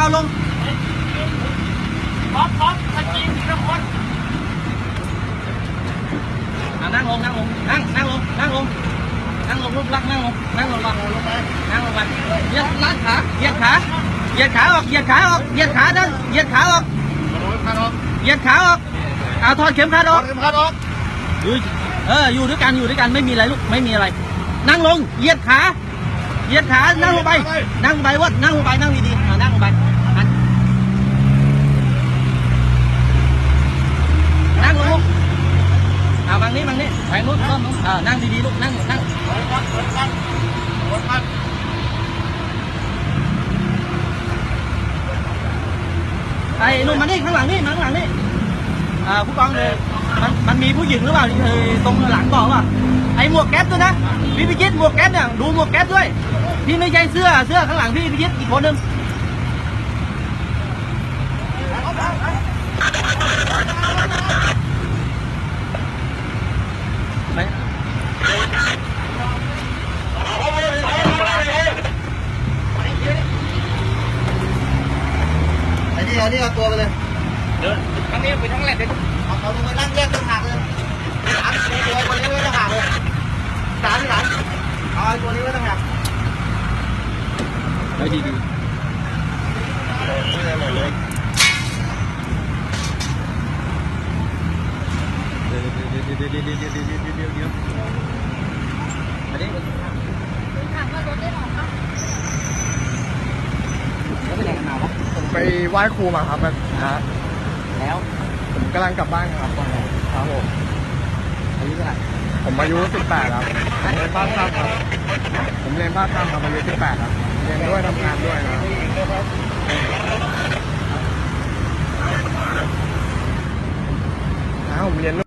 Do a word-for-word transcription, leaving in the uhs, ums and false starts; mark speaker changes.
Speaker 1: ลง
Speaker 2: ป๊อปป๊อปตะกี้ทุกคน
Speaker 1: นั่งลงนั่งลงนั่งนั่งลงนั่งลงนั่งลงรูปลักนั่งลงนั่งลงมานั่งลงมาเหยียดลัดขาเหยียดขาเหยียดขาออกเหยียดขาออกเหยียดขาดันเหยียดขาออกเหยียดขาออกเอาถอดเข็มขัดออกอยู่เอออยู่ด้วยกันอยู่ด้วยกันไม่มีอะไรลูกไม่มีอะไรนั่งลงเหยียดขาเหยียดขานั่งลงไปนั่งลงไปวดนั่งลงไปนั่งดีๆนั่งลงไปนั่งลงเอาบางนี้บางนี้ไปนู้นนู้นเออนั่งดีๆลูกนั่งนั่งไอ้นุ่มมานี่ข้างหลังนี่มาข้างหลังนี่อ่าผู้กองเลยมันมันมีผู้หญิงหรือเปล่าตรงหลังบอกว่าไอ้หมวกแก๊ปด้วยนะพี่พิชิตหมวกแก๊ปเนี่ยดูหมวกแก๊ปด้วยพี่ไม่ใช่เสื้อเสื้อข้างหลังพี่พิชิตอีกคนนึงไอ้นี่เอานี่เอาตัวไปเลยเดินทั้งนี้ไปทั้งแหลกเลยเอาเอาตัวไปนั่งแยกต่างหากเลยสามตัวคนนี้ไว้ต่างหากเลยสามที่หลังเอาตัวนี้ไว้ต่างหากไปดีดีไม่ได้หมดเลยเดี๋ยวเดี๋ยวเดี๋ยวเดี๋ยวเดี๋ยวเดี๋ยวเดี๋ยวเดี๋ยวเดี๋ยวเดี๋ยวอันนี้
Speaker 3: ถามว่ารถได้ออกปะ
Speaker 1: แล้วไปไหนกันมาวะ
Speaker 4: ไปไหว้ครูมาครับนะ
Speaker 1: แล้ว
Speaker 4: ผมกำลังกลับบ้านครับครับผม
Speaker 1: อายุเท่าไหร่
Speaker 4: ผมอายุสิบแปดครับเรียนบ้านข้ามครับผมเรียนบ้านข้ามครับอายุสิบแปดครับเรียนด้วยทำงานด้วยนะอ้าวผมเรียน